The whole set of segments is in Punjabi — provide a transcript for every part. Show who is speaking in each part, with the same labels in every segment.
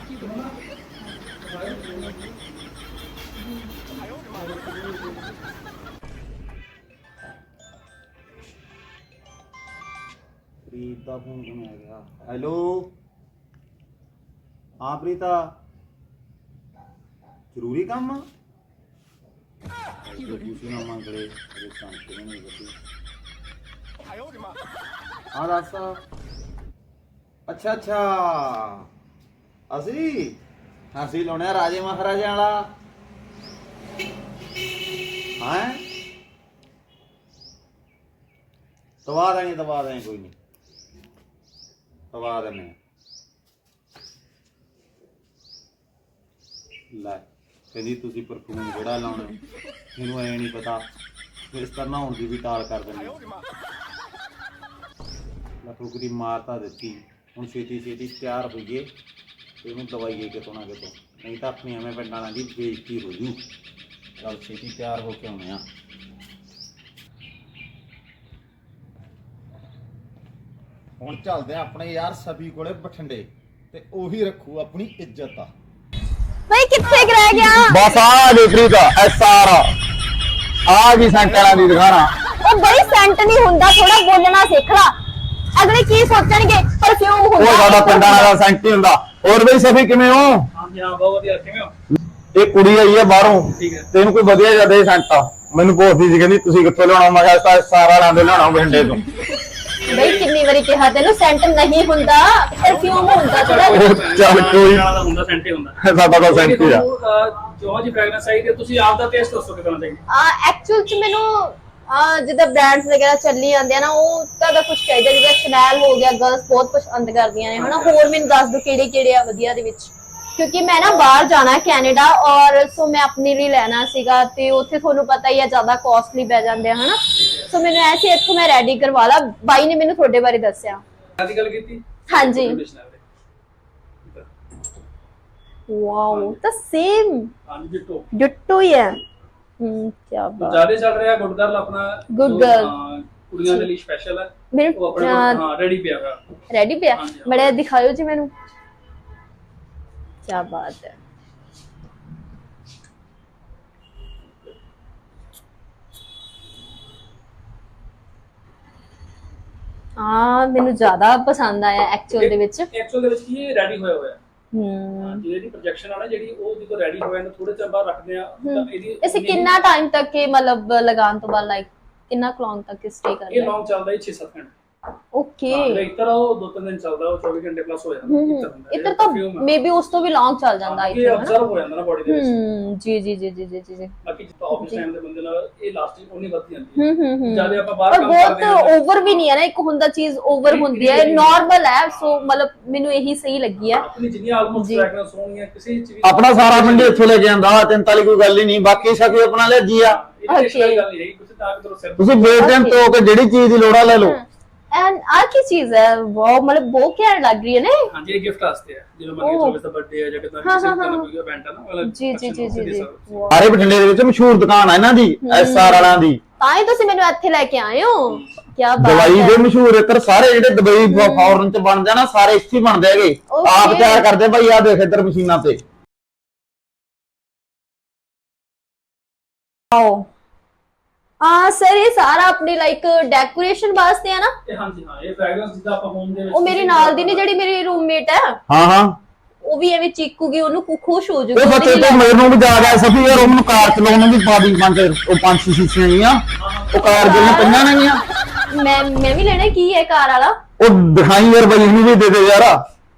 Speaker 1: ਪ੍ਰੀਤ ਦਾ ਫੋਨ ਕਿਵੇਂ ਆ ਗਿਆ? ਹੈਲੋ ਹਾਂ ਪ੍ਰੀਤਾ, ਜ਼ਰੂਰੀ ਕੰਮ ਆ? ਤੁਸੀਂ ਨਾ ਮੰਗਲੇ ਅਰੇ ਸ਼ਾਂਤੀ ਨਹੀਂ ਬਤੀ। ਹਾਂ ਦੱਸ। ਅੱਛਾ ਅੱਛਾ, ਅਸੀਂ ਲਾਉਣੇ ਰਾਜੇ ਮਹਾਰਾਜਿਆਂ ਵਾਲਾ। ਹਾਂ ਦਵਾ ਦੇਣੀ ਕੋਈ ਨਹੀਂ, ਦਵਾ ਦੇਣੇ। ਲੈ ਕਹਿੰਦੀ ਤੁਸੀਂ ਪਰਫਿਊਮ ਜਿਹੜਾ ਲਾਉਣਾ, ਮੈਨੂੰ ਐ ਨਹੀਂ ਪਤਾ, ਫਿਰ ਇਸ ਤਰ੍ਹਾਂ ਨਹਾਉਣ ਦੀ ਵੀ ਟਾਲ ਕਰ ਦਿੰਦੇ। ਲੱਖੂ ਦੀ ਮਾਰਤਾ ਦਿੱਤੀ, ਹੁਣ ਛੇਤੀ ਛੇਤੀ ਤਿਆਰ ਹੋਈਏ ਤੇ ਇਹਨੂੰ ਦਵਾਈਏ ਕਿਤੋਂ ਨਾ ਕਿਤੋਂ, ਨਹੀਂ ਤਾਂ ਆਪਣੀ ਐਵੇਂ ਪਿੰਡਾਂ ਵਾਲਿਆਂ ਦੀ ਬੇਇੱਜ਼ਤੀ ਹੋ ਜੂ। ਚੱਲ ਛੇਤੀ ਤਿਆਰ ਹੋ ਕੇ ਆਉਣੇ ਆ। ਹੁਣ ਚੱਲਦੇ ਆ ਆਪਣੇ ਯਾਰ ਸਭੀ ਕੋਲੇ ਬਠਿੰਡੇ, ਤੇ ਉਹੀ ਰੱਖੂ ਆਪਣੀ ਇੱਜ਼ਤ ਆ।
Speaker 2: भाई कितने रह गया?
Speaker 3: बस आ गई प्रीत एसआर आ गई सेंटਰਾਂ ਦੀ ਦਿਖਾਣਾ।
Speaker 2: ਉਹ ਬੜੀ ਸੈਂਟ ਨਹੀਂ ਹੁੰਦਾ, ਥੋੜਾ ਬੋਲਣਾ ਸਿੱਖ ਲਾ। ਅਗਲੇ ਕੀ ਸੋਚਣਗੇ? ਪਰਫਿਊਮ ਹੁੰਦਾ
Speaker 3: ਉਹ ਸਾਡਾ ਪਿੰਡਾਂ ਦਾ ਸੈਂਟ ਹੀ ਹੁੰਦਾ। ਹੋਰ ਬਈ ਸਫੀ ਕਿਵੇਂ ਹੋ?
Speaker 4: ਹਾਂਜੀ ਹਾਂ ਬਹੁਤ ਵਧੀਆ, ਕਿਵੇਂ ਹੋ?
Speaker 3: ਇਹ ਕੁੜੀ ਆਈ ਹੈ ਬਾਹਰੋਂ,
Speaker 4: ਠੀਕ ਹੈ।
Speaker 3: ਤੈਨੂੰ ਕੋਈ ਵਧੀਆ ਜਿਹਾ ਦੇ ਸੈਂਟ ਆ। ਮੈਨੂੰ ਪੁੱਛਦੀ ਸੀ ਕਹਿੰਦੀ ਤੁਸੀਂ ਕਿੱਥੋਂ ਲਿਆਉਣਾ? ਮੈਂ ਕਿਹਾ ਸਾਰਾ ਲਾਂਦੇ ਲਿਆਉਣਾ ਬਠਿੰਡੇ ਤੋਂ।
Speaker 2: ਬਈ ਕਿੰਨੀ ਵਾਰੀ ਕਿਹਾ ਤੈਨੂੰ ਸੈਂਟ ਨਹੀਂ ਹੁੰਦਾ, ਪਰਫਿਊਮ ਹੁੰਦਾ ਥੋੜਾ।
Speaker 3: ਚੱਲ ਕੋਈ
Speaker 4: ਦਾ ਹੁੰਦਾ ਸੈਂਟ ਹੀ ਹੁੰਦਾ,
Speaker 3: ਸਾਡਾ ਤਾਂ ਸੈਂਟ ਹੀ ਆ।
Speaker 4: ਜੋ ਜੀ ਫ੍ਰੈਗਰੈਂਸ ਆਈ ਤੇ ਤੁਸੀਂ ਆਪ ਦਾ ਟੇਸਟ ਦੱਸੋ ਕਿਦਾਂ ਚਾਹੀਦਾ।
Speaker 2: ਐਕਚੁਅਲ ਚ ਮੈਨੂੰ ਜਿੱਦਾਂ ਬ੍ਰਾਂਡਸ ਵਗੈਰਾ ਚੱਲੀ ਜਾਂਦੇ ਆ ਨਾ, ਉਹ ਤਾਂ ਕੁਝ ਚਾਹੀਦਾ। ਜਿੱਦਾਂ ਸ਼ਨੈਲ ਹੋ ਗਿਆ, ਗਰਲਸ ਬਹੁਤ ਪਸੰਦ ਕਰਦੀਆਂ ਨੇ ਹਨਾ। ਹੋਰ ਮੈਨੂੰ ਦੱਸ ਦੋ ਕਿਹੜੇ ਕਿਹੜੇ ਆ ਵਧੀਆ ਦੇ ਵਿੱਚ, ਕਿਉਂਕਿ ਮੈਂ ਨਾ ਬਾਹਰ ਜਾਣਾ ਹੈ ਕੈਨੇਡਾ, ਔਰ ਸੋ ਮੈਂ ਆਪਣੇ ਲਈ ਲੈਣਾ ਸੀਗਾ, ਤੇ ਉੱਥੇ ਤੁਹਾਨੂੰ ਪਤਾ ਹੀ ਆ ਜ਼ਿਆਦਾ ਕਾਸਟਲੀ ਪੈ ਜਾਂਦੇ ਆ ਹਨਾ। ਸੋ ਮੈਨੂੰ ਐਸੇ ਇੱਥੋਂ ਮੈਂ ਰੈਡੀ ਕਰਵਾ ਲਾ। ਬਾਈ ਨੇ ਮੈਨੂੰ ਤੁਹਾਡੇ ਬਾਰੇ ਦੱਸਿਆ।
Speaker 4: ਆਦੀ ਗੱਲ ਕੀਤੀ।
Speaker 2: ਹਾਂਜੀ ਵਾਓ, ਤਾਂ ਸੇਮ
Speaker 4: ਹਾਂਜੀ ਜਿੱਟੋ
Speaker 2: ਡਿਟੋ ਹੀ ਹੈ। ਕੀ ਬਾਤ।
Speaker 4: ਜ਼ਿਆਦਾ ਚੱਲ ਰਿਹਾ ਗੁੱਡ ਗਰਲ ਆਪਣਾ।
Speaker 2: ਗੁੱਡ ਗਰਲ
Speaker 4: ਕੁੜੀਆਂ ਦੇ ਲਈ ਸਪੈਸ਼ਲ ਹੈ।
Speaker 2: ਮੇਰੇ
Speaker 4: ਉਹ ਆਪਣੇ ਹਾਂ ਰੈਡੀ ਪਿਆ ਹੋਇਆ।
Speaker 2: ਰੈਡੀ ਪਿਆ, ਬੜਾ ਦਿਖਾਇਓ ਜੀ ਮੈਨੂੰ। ਕੀ ਬਾਤ ਹੈ। ਮੈਨੂੰ ਜ਼ਿਆਦਾ ਪਸੰਦ ਆਇਆ ਐਕਚੁਅਲ ਦੇ ਵਿੱਚ।
Speaker 4: ਐਕਚੁਅਲ ਦੇ ਵਿੱਚ ਕੀ ਇਹ ਰੈਡੀ ਹੋਇਆ ਜਿਹੜੀ ਪ੍ਰੋਜੈਕਸ਼ਨ ਆ ਨਾ, ਜਿਹੜੀ ਉਹ ਜਦੋਂ ਰੈਡੀ ਹੋਇਆ ਨਾ ਥੋੜੇ ਚਿਰ ਬਾਅਦ ਰੱਖਦੇ ਆ ਤਾਂ ਇਹਦੀ
Speaker 2: ਇਸੇ ਕਿੰਨਾ ਟਾਈਮ ਤੱਕ ਇਹ ਮਤਲਬ ਲਗਾਉਣ ਤੋਂ ਬਾਅਦ ਲਾਈਕ ਕਿੰਨਾ ਲੌਂਗ ਤੱਕ ਸਟੇ ਕਰਦਾ?
Speaker 4: ਇਹ ਲੌਂਗ ਚੱਲਦਾ ਹੈ 6-7 ਘੰਟੇ।
Speaker 2: ਓਕੇ,
Speaker 4: ਇਤਰ ਉਹ 2-3 ਦਿਨ ਚੱਲਦਾ, ਉਹ 24 ਘੰਟੇ ਪਲੱਸ ਹੋ ਜਾਂਦਾ।
Speaker 2: ਇਤਰ ਤਾਂ ਮੇਬੀ ਉਸ ਤੋਂ ਵੀ ਲੌਂਗ ਚੱਲ ਜਾਂਦਾ ਆਈ ਥਿੰਕ।
Speaker 4: ਇਹ ਅਬਜ਼ਰਵ ਹੋ ਜਾਂਦਾ ਨਾ ਬੋਡੀ ਦੇ ਵਿੱਚ।
Speaker 2: ਜੀ ਜੀ ਜੀ ਜੀ ਜੀ ਜੀ।
Speaker 4: ਬਾਕੀ ਜਿੱਦਾਂ ਆਫਿਸ ਟਾਈਮ ਦੇ ਬੰਦੇ ਨਾਲ ਇਹ ਲਾਸਟਿੰਗ ਉਨੀ ਵੱਧ ਜਾਂਦੀ ਹੈ। ਜਿਆਦਾ ਆਪਾਂ ਬਾਹਰ ਕੰਮ
Speaker 2: ਕਰਦੇ ਹਾਂ ਬਹੁਤ ਓਵਰ ਵੀ ਨਹੀਂ ਹੈ ਨਾ, ਇੱਕ ਹੁੰਦਾ ਚੀਜ਼ ਓਵਰ ਹੁੰਦੀ ਹੈ, ਨਾਰਮਲ ਹੈ। ਸੋ ਮਤਲਬ ਮੈਨੂੰ ਇਹੀ ਸਹੀ ਲੱਗੀ ਹੈ।
Speaker 4: ਆਪਣੀ ਜਿੰਨੀ ਆਲਮੋਸਟ ਫ੍ਰੈਗਰੈਂਸ ਹੋਣੀ ਹੈ ਕਿਸੇ ਚ ਵੀ
Speaker 3: ਆਪਣਾ ਸਾਰਾ ਪਿੰਡ ਇੱਥੋਂ ਲੈ ਕੇ ਆਂਦਾ, ਚਿੰਤਾ ਵਾਲੀ ਕੋਈ ਗੱਲ ਹੀ ਨਹੀਂ। ਬਾਕੀ ਸਕੀ ਆਪਣਾ ਲੈ ਜੀ ਆ।
Speaker 4: ਇਹ ਗੱਲ ਨਹੀਂ ਰਹੀ, ਤੁਸੀਂ ਤਾਂ ਕਿਧਰੋਂ ਸਿਰ
Speaker 3: ਤੁਸੀਂ ਬੇਟਾਈਮ ਤੋਂ ਕੇ ਜਿਹੜੀ ਚੀਜ਼ ਦੀ ਲੋੜ ਆ ਲੈ ਲਓ।
Speaker 2: ਐਂਡ ਆ ਕੀ ਚੀਜ਼ ਹੈ? ਵਾਓ, ਮਤਲਬ ਬਹੁਤ ਘੈਂਟ ਲੱਗ ਰਹੀ ਹੈ ਨਾ।
Speaker 4: ਹਾਂਜੀ ਇਹ ਗਿਫਟ ਵਾਸਤੇ ਹੈ, ਜਦੋਂ ਮਰਜ਼ੀ ਸਰਵਿਸ ਦਾ ਬਰਥਡੇ ਹੈ ਜਾਂ ਕਿਦਾਂ ਕਿਸੇ ਤਰ੍ਹਾਂ ਦਾ ਕੋਈ ਇਵੈਂਟ ਹੈ ਨਾ, ਮਤਲਬ
Speaker 2: ਜੀ ਜੀ ਜੀ ਜੀ ਜੀ।
Speaker 3: ਸਾਰੇ ਬਠਿੰਡੇ ਦੇ ਵਿੱਚ ਮਸ਼ਹੂਰ ਦੁਕਾਨ ਆ ਇਹਨਾਂ ਦੀ, ਐਸਆਰ ਵਾਲਿਆਂ ਦੀ।
Speaker 2: ਤਾਂ ਹੀ ਤੁਸੀਂ ਮੈਨੂੰ ਇੱਥੇ ਲੈ ਕੇ ਆਏ ਹੋ। ਕੀ ਬਾਤ
Speaker 3: ਦਵਾਈ
Speaker 2: ਹੈ।
Speaker 3: ਦੇ ਮਸ਼ਹੂਰ ਇੱਧਰ ਸਾਰੇ ਜਿਹੜੇ ਦੁਬਈ ਫੌਰਨ ਚ ਬਣ ਜਾਣਾ, ਸਾਰੇ ਇੱਥੇ ਹੀ ਬਣਦੇ ਹੈਗੇ। ਆਪ ਤਿਆਰ ਕਰਦੇ ਭਾਈ, ਆ ਦੇਖ ਇੱਧਰ ਮਸ਼ੀਨਾਂ ਤੇ।
Speaker 2: ਆਓ ਸਰ, ਇਹ ਸਾਰਾ ਆਪਣੀ ਲਾਈਕ ਡੈਕੋਰੇਸ਼ਨ ਵਾਸਤੇ ਹੈ ਨਾ?
Speaker 4: ਹਾਂਜੀ ਹਾਂ, ਇਹ ਫ੍ਰੈਗਰੈਂਸ ਜਿੱਦਾਂ ਆਪਾਂ ਹੋਮ ਦੇ ਵਿੱਚ।
Speaker 2: ਉਹ ਮੇਰੀ ਨਾਲ ਦੀ ਨੇ ਜਿਹੜੀ ਮੇਰੀ ਰੂਮਮੇਟ ਹੈ,
Speaker 3: ਹਾਂ ਹਾਂ,
Speaker 2: ਉਹ ਵੀ ਐਵੇਂ ਚੀਕੂਗੀ, ਉਹਨੂੰ ਖੁਸ਼ ਹੋ
Speaker 3: ਉਹ
Speaker 2: ਜਾਊਗੀ।
Speaker 3: ਬੱਚੇ ਤੇ ਮੈਨੂੰ ਵੀ ਯਾਦ ਆ ਸਭੀ ਯਾਰ, ਉਹਨੂੰ ਕਾਰ ਚਲਾਉਣ ਨੂੰ ਵੀ ਪਾ ਦੀ ਪੰਜ ਛੇ ਸ਼ੀਸ਼ੀਆਂ ਗਈਆਂ, ਉਹ ਕਾਰ ਜਿਹੜੀਆਂ ਪਈਆਂ ਨੇ ਗੀਆਂ।
Speaker 2: ਮੈਂ ਵੀ ਲੈਣਾ। ਕੀ ਹੈ ਕਾਰ ਵਾਲਾ?
Speaker 3: ਉਹ ਦਿਖਾਈ ਯਾਰ ਬਈ, ਇਹਨੂੰ ਵੀ ਦੇ ਦੇ ਯਾਰ।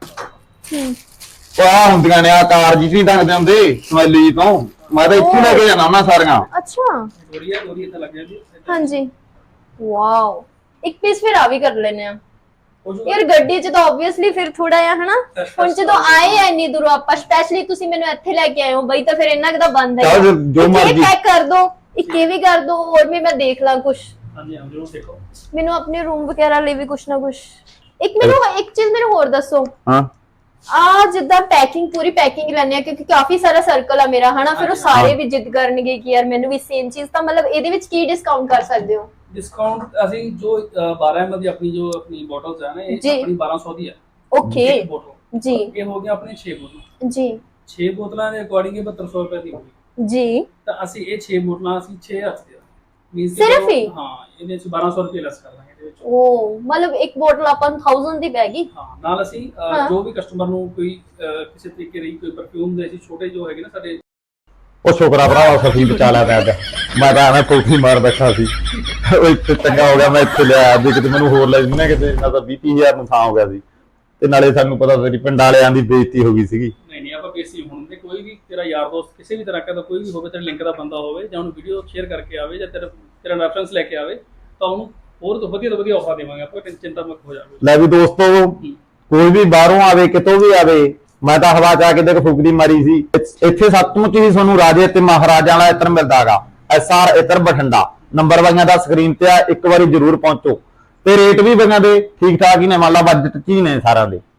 Speaker 3: ਉਹ ਆ ਹੁੰਦੀਆਂ ਨੇ ਆ ਕਾਰ ਜੀ ਦੱਸਦੇ ਹੁੰਦੇ ਸਮੈਲੀ ਜੀ ਤੋਂ। ਮੈਂ ਤਾਂ ਇੱਥੇ ਲੈ ਕੇ ਜਾਣਾ ਉਹਨਾਂ ਸਾਰੀਆਂ।
Speaker 2: ਅੱਛਾ
Speaker 4: ਥੋੜੀ ਇਦਾਂ ਲੱਗ ਜਾਂਦੀ।
Speaker 2: ਹਾਂਜੀ ਵਾਓ, ਇੱਕ ਪੀਸ ਫਿਰ ਆ ਵੀ ਕਰ ਲੈਨੇ ਆ ਯਾਰ। ਗੱਡੀ 'ਚ ਤਾਂ ਆਬਵੀਅਸਲੀ ਫਿਰ ਥੋੜਾ ਆ ਹਨਾ। ਹੁਣ ਜਦੋਂ ਆਏ ਆ ਇੰਨੀ ਦੂਰੋਂ ਆਪਾਂ, ਸਪੈਸ਼ਲੀ ਤੁਸੀਂ ਮੈਨੂੰ ਇੱਥੇ ਲੈ ਕੇ ਆਏ ਹੋ ਬਈ, ਤਾਂ ਫਿਰ ਇੰਨਾ ਕਿਦਾ ਬੰਦ ਹੈ।
Speaker 3: ਜੋ ਮਰਜ਼ੀ
Speaker 2: ਪੈਕ ਕਰ ਦੋ, ਇੱਕ ਇਹ ਵੀ ਕਰ ਦੋ, ਹੋਰ ਵੀ ਮੈਂ ਦੇਖ ਲਾਂ ਕੁਝ।
Speaker 4: ਹਾਂਜੀ ਹਾਂ ਜਰੂਰ ਦੇਖੋ।
Speaker 2: ਮੈਨੂੰ ਆਪਣੇ ਰੂਮ ਵਗੈਰਾ ਲਈ ਵੀ ਕੁਝ ਨਾ ਕੁਝ। ਇੱਕ ਚੀਜ਼ ਮੈਨੂੰ ਹੋਰ ਦੱਸੋ।
Speaker 3: ਹਾਂ
Speaker 2: ਜਿੱਦਾਂ ਪੈਕਿੰਗ, ਪੂਰੀ ਪੈਕਿੰਗ ਲੈਣੇ ਆ, ਕਿਉਂਕਿ ਕਾਫੀ ਸਾਰਾ ਸਰਕਲ ਆ ਮੇਰਾ ਹਨਾ। ਫਿਰ ਉਹ ਸਾਰੇ ਵੀ ਜਿੱਦ ਕਰਨਗੇ ਕਿ ਯਾਰ ਮੈਨੂੰ ਵੀ ਸੇਮ ਚੀਜ਼। ਤਾਂ ਮਤਲਬ ਇਹਦੇ ਵਿੱਚ ਕੀ ਡਿਸਕਾਊਂਟ ਕਰ ਸਕਦੇ ਹੋ?
Speaker 4: ਡਿਸਕਾਊਂਟ ਅਸੀਂ ਜੋ 12 ml ਦੀ ਆਪਣੀ ਬੋਟਲਸ ਹੈ ਨਾ, ਇਹ ਆਪਣੀ 1200 ਦੀ ਹੈ।
Speaker 2: ਓਕੇ ਜੀ
Speaker 4: ਇਹ ਹੋ ਗਿਆ ਆਪਣੇ 6 ਬੋਤਲਾਂ।
Speaker 2: ਜੀ
Speaker 4: 6 ਬੋਤਲਾਂ ਦੇ ਅਕੋਰਡਿੰਗ ਇਹ 7200 ਰੁਪਏ ਦੀ ਹੋਗੀ।
Speaker 2: ਜੀ
Speaker 4: ਤਾਂ ਅਸੀਂ ਇਹ 6 ਬੋਤਲਾਂ ਅਸੀਂ 6 ਹਫ਼ਤੇ ਮੀਨਸ
Speaker 2: ਸਿਰਫ ਹੀ?
Speaker 4: ਹਾਂ, ਇਹਦੇ ਵਿੱਚ 1200 ਰੁਪਏ ਲੈਸ ਕਰ ਦਾਂਗੇ ਇਹਦੇ ਵਿੱਚ।
Speaker 2: ਉਹ ਮਤਲਬ ਇੱਕ ਬੋਤਲ ਆਪਾਂ ਨੂੰ 1000 ਦੀ ਪੈ ਗਈ।
Speaker 4: ਹਾਂ, ਨਾਲ ਅਸੀਂ ਜੋ ਵੀ ਕਸਟਮਰ ਨੂੰ ਕੋਈ ਕਿਸੇ ਤਰੀਕੇ ਦੀ ਕੋਈ ਪਰਫਿਊਮ ਦੇ ਅਸੀਂ ਛੋਟੇ ਜੋ ਹੈਗੇ ਨਾ ਸਾਡੇ,
Speaker 3: ਉਹ ਸ਼ੁਕਰਾ ਭਰਾਵਾ ਸਫੀ ਬਚਾ ਲਿਆ ਪਿਆ ਮੈਂ ਤਾਂ ਐਵੇਂ ਕੋਠੀ ਮਾਰ ਬੈਠਾ ਸੀ ਉਹ ਇੱਥੇ ਚੰਗਾ ਹੋ ਗਿਆ ਮੈਂ ਇੱਥੇ ਲਿਆ ਵੀ ਕਿਤੇ ਮੈਨੂੰ ਹੋਰ ਲੈ ਜਿੰਨਾ ਕਿਤੇ ਨਾ ਤਾਂ 20-30 ਨੂੰ ਥਾਂ ਹੋ ਗਿਆ ਸੀ ਤੇ ਨਾਲੇ ਸਾਨੂੰ ਪਤਾ ਤੇਰੀ ਪਿੰਡ ਵਾਲਿਆਂ ਦੀ ਬੇਇੱਜ਼ਤੀ ਹੋ ਗਈ ਸੀਗੀ।
Speaker 4: ਨਹੀਂ ਆਪਾਂ ਬੇਸੀ ਹੁਣ ਦੇ ਕੋਈ ਵੀ ਤੇਰਾ ਯਾਰ ਦੋਸਤ ਕਿਸੇ ਵੀ ਤਰ੍ਹਾਂ ਦਾ ਕੋਈ ਵੀ ਹੋਵੇ, ਤੇਰੇ ਲਿੰਕ ਦਾ ਬੰਦਾ ਹੋਵੇ ਜਾਂ ਉਹਨੂੰ ਵੀਡੀਓ ਸ਼ੇਅਰ ਕਰਕੇ ਆਵੇ ਜਾਂ ਤੇਰਾ ਰੈਫਰੈਂਸ ਲੈ ਕੇ ਆਵੇ ਤਾਂ ਉਹਨੂੰ ਹੋਰ ਤੋਂ ਵਧੀਆ ਆਫਰ ਦੇਵਾਂਗੇ ਆਪਾਂ, ਚਿੰਤਾ ਮੁਕਤ ਹੋ ਜਾਵੇ।
Speaker 3: ਲੈ ਵੀ ਦੋਸਤੋ ਕੋਈ ਵੀ ਬਾਹਰੋਂ ਆਵੇ ਕਿਤੋਂ ਵੀ ਆਵੇ, ਮੈਂ ਤਾਂ ਹਵਾ ਚ ਆ ਕੇ ਦੇਖ ਫੁਕਰੀ ਮਾਰੀ ਸੀ। ਇੱਥੇ ਸੱਚਮੁੱਚ ਹੀ ਤੁਹਾਨੂੰ ਰਾਜੇ ਤੇ ਮਹਾਰਾਜਾ ਵਾਲਾ ਇਤਰ ਮਿਲਦਾਗਾ। SR ਇਤਰ ਬਠਿੰਡਾ, ਨੰਬਰ ਵਾਈਆਂ ਦਾ ਸਕਰੀਨ ਤੇ ਆ, ਇੱਕ ਵਾਰੀ ਜ਼ਰੂਰ ਪਹੁੰਚੋ ਤੇ ਰੇਟ ਵੀ ਬਈਆਂ ਦੇ ਠੀਕ ਠਾਕ ਹੀ ਨੇ, ਮੰਨ ਲਾ ਬਜਟ ਚ ਹੀ ਨੇ ਸਾਰਿਆਂ ਦੇ।